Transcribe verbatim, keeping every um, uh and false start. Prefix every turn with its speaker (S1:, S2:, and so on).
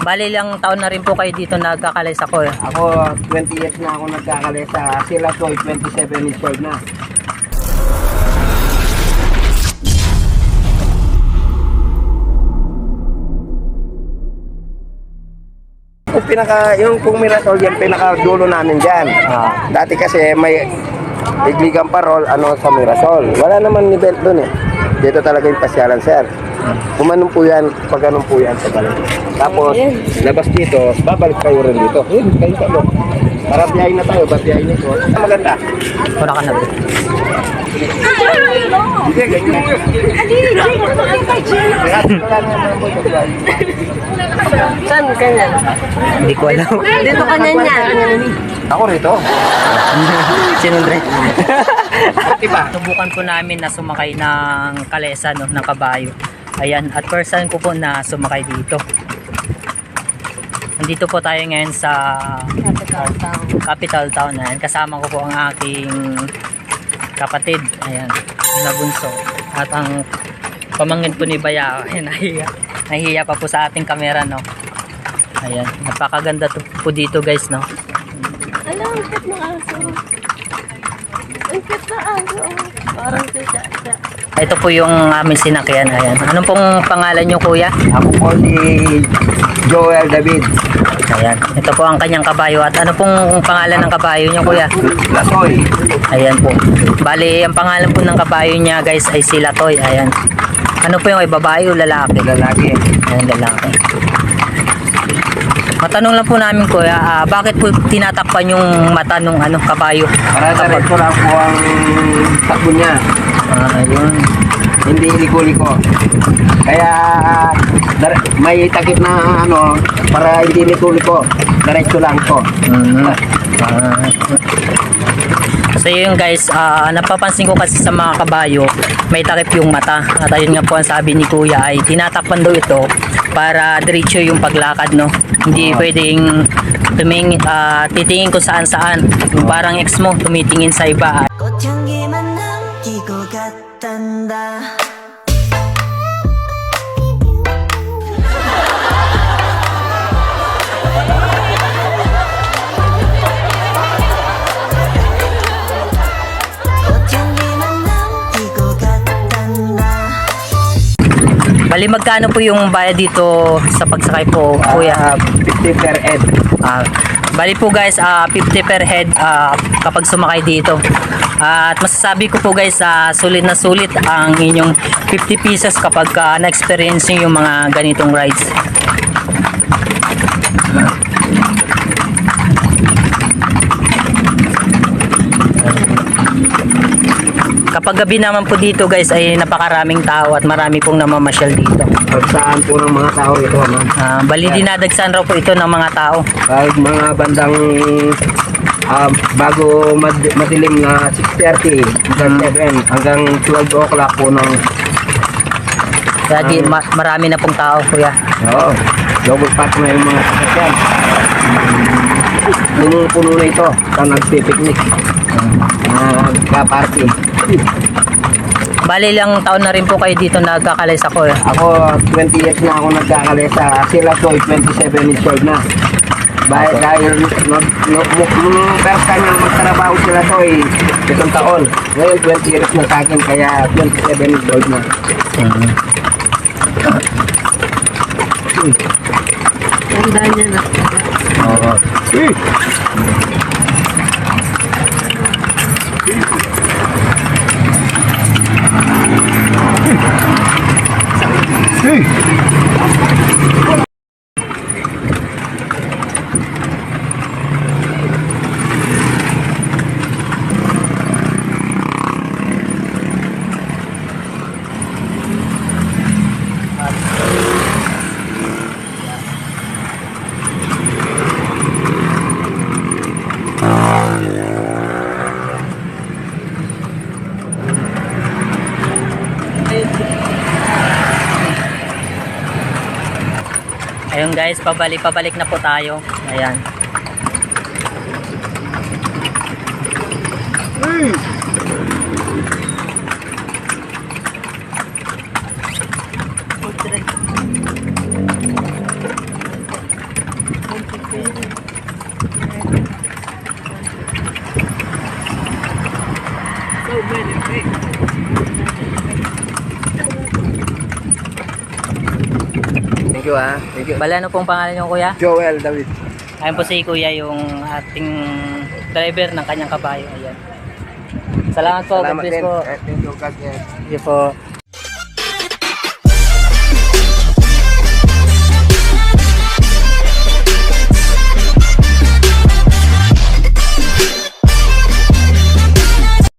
S1: Bali lang taon na rin po kayo dito nagkakalesa ko eh.
S2: Ako, twenty years na ako nagkakalesa. Sila ko, twenty-seven years old na. Yung pinaka, yung kung Mirasol, yung pinaka dulo namin dyan.
S1: Ah.
S2: Dati kasi may igligang parol, ano sa Mirasol. Wala naman ni belt dun eh. Dito talaga yung pasyalan, sir. Kumanong po yan, pag ganun po yan sa balik. Tapos, labas dito, babalik kayo rin dito. Yun, kayo sa loob. Para biyahin na tayo, ba't biyahin nito? Ah, maganda.
S1: Wala ka na ba?
S2: Hindi, ganyan.
S3: Saan ganyan?
S1: Hindi ko alam.
S3: Dito ka na niya.
S2: Ako rito.
S1: Sinundre.
S2: Diba?
S1: Subukan po namin na sumakay ng kalesa, no, ng kabayo. Ayan, at first time ko po na sumakay dito. Nandito po tayo ngayon sa
S3: Capital Town.
S1: capital town. Ayan, kasama ko po ang aking kapatid. Ayan, na bunso. At ang pamangkin po ni Baya. Ayan, nahiya. Nahiya pa po sa ating kamera, no. Ayan, napakaganda to po dito, guys, no.
S3: Alam, ang cute ng aso. Ang cute na aso. Parang si Chacha.
S1: Ito po yung aming sinakyan. Ayan. Anong pong pangalan nyo, kuya?
S2: Ako po si Joel David.
S1: Ayan. Ito po ang kanyang kabayo. At ano pong pangalan ng kabayo nyo, kuya?
S2: Lasoy.
S1: Ayan po. Bali, ang pangalan po ng kabayo niya, guys, ay si Latoy. Ayan. Ano po yung ay babae o lalaki?
S2: Lalaki.
S1: Ayan, lalaki. Matanong lang po namin, kuya, ah, bakit po tinatakpan yung mata ng ano, kabayo?
S2: Para diretso lang po ang takbo niya.
S1: Ah, ayun.
S2: Hindi liko-liko. Kaya dar- may takip na ano, para hindi liko-liko. Diretso lang po.
S1: Mhm. Ah. So yun, guys, ah, napapansin ko kasi sa mga kabayo may takip yung mata. At ayun nga po ang sabi ni kuya ay tinatakpan daw ito para diretso yung paglakad, no. Hindi pwedeng tuming, ah, titingin kung saan saan. Yung parang ex mo tumitingin sa iba.
S4: 꽃향기만 남기고 갔단다. 꽃향기만 남기고 갔단다.
S1: Bali, magkano po yung bayad dito sa pagsakay po, kuya?
S2: Ah, fifty per head.
S1: Ah, bali po, guys, ah, fifty per head ah, kapag sumakay dito. Ah, at masasabi ko po, guys, ah, sulit na sulit ang inyong fifty pesos kapag ah, na-experience nyo yung mga ganitong rides. Kapag gabi naman po dito, guys, ay napakaraming tao at marami pong namamasyal dito.
S2: Pagsaan po ng mga tao ito, ma'am.
S1: Ah, bali, dinadagsan raw po ito ng mga tao.
S2: Kahit mga bandang ah, bago mad- madilim na six thirty hanggang seven hanggang twelve o'clock po ng
S1: Kaya di, ma- marami na pong tao, kuya.
S2: oo, double pack na yung mga sasakyan. Yung puno na ito, ito nagpipiknik. Nagka-party.
S1: Bali lang taon na rin po kayo dito nagkakalesa ko eh.
S2: Ako, twenty years na ako nagkakalesa. Sila ko, twenty-seven years old na. Dahil, dahil no, no, no, nung first time yung magtrabaho sila to ay isang taon. Ngayon, twenty years na sa akin, kaya twenty-seven years old na.
S3: Ganda niya na.
S2: Oo.
S1: Ayun, guys, pabalik-pabalik na po tayo. Ayan.
S2: Thank you ah. Thank you.
S1: Bala, ano pong pangalan niyo kuya?
S2: Joel David.
S1: Ayun po si kuya yung ating driver ng kanyang kabayo. Ayan. Salamat po. God
S2: Salamat
S1: bless
S2: din.
S1: po.
S2: Eh, Thank you, God bless.
S1: Sige po.